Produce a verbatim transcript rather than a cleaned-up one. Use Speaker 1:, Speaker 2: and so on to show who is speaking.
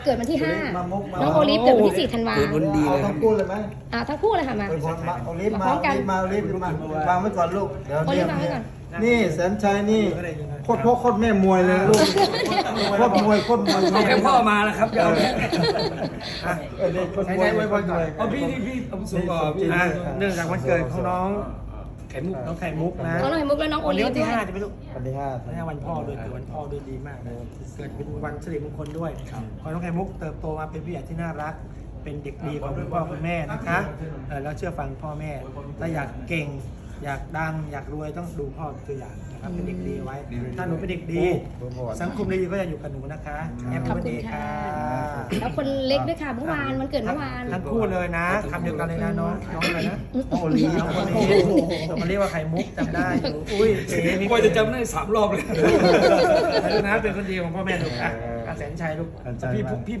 Speaker 1: เกิดวันที่ห้าน้องโอลิฟเกิดวันที่สี่ธันวาคม
Speaker 2: เอาทั้งคู่เลยไหม
Speaker 1: อ่าทั้งคู่เลยค่ะมา
Speaker 2: มาโอลิฟ
Speaker 1: มา
Speaker 2: มา
Speaker 1: พร้อม
Speaker 2: โอ
Speaker 1: กัน
Speaker 2: ลิฟมาโอลิฟมาวางไว้ก่อนลูกเดี๋ยว
Speaker 1: โอลิฟวางไว้ก่อน
Speaker 2: นี่แสนชัยนี่โคตรพ่อโคตรแม่มวยเลยลูกโคตรมวยโคตรมวย
Speaker 3: เอาแค่พ่อมาแล้วครับเดี๋ยว
Speaker 2: เออนี่โคตรมวย
Speaker 3: ไว้พรก่อนเอาพี่พี่พี่เอาสูงก่อนพี่
Speaker 4: อ่ะเนื่องจากวันเกิดของน้อง
Speaker 3: ไข่มุก
Speaker 4: น้องไข่มุกนะ
Speaker 1: น้องไข่มุกและน้องโอ
Speaker 4: วัน
Speaker 1: ลิ
Speaker 4: นี้
Speaker 1: ฟ
Speaker 4: วัน
Speaker 1: ด้
Speaker 4: ที่
Speaker 1: วย
Speaker 4: ห้าจะเป็นลูก
Speaker 2: วันที่ห้า
Speaker 4: วันนี้วันพ่อด้วยเกิดวันพ่อด้วยดีมากนะเกิดเป็นวันสิริมงคลด้วยขอให้น้องไข่มุกเติบโตมาเป็นผู้ใหญ่ที่น่ารัก เป็นเด็กดีของคุณพ่อคุณแม่นะคะเออแล้วเชื่อฟังพ่อแม่ถ้าอยากเก่ง อยากดังอยากรวยต้องดูพ่อเป็นตัวอย่างนะครับเป็นเด็กดีไว้ ถ้าหนูเป็นเด็กดี สังคมดีก็จะอยู่กับหนูนะคะแฮป
Speaker 1: ขอบ
Speaker 4: ปี้
Speaker 1: คุณ
Speaker 4: เดย์
Speaker 1: ค่ะ
Speaker 4: ค่ะ
Speaker 1: แล้วคนเล็กด้วยค่ะเมื่อวานมันเกิดเมื่อวาน
Speaker 4: ทั้งคู่เลยนะคำเดียวกันเลยนะน้องน้องอะไรนะน้องโอลีน้องโอลีมันเรียกว่าไข่มุกจำได้อยู่อุ้ยเอ๋มี
Speaker 3: กว่าจะจำได้สามรอบเลย
Speaker 4: นะเป็นคนดีของพ่อแม่ลูกอ่ะอาแสนชัยลูกพี่พี่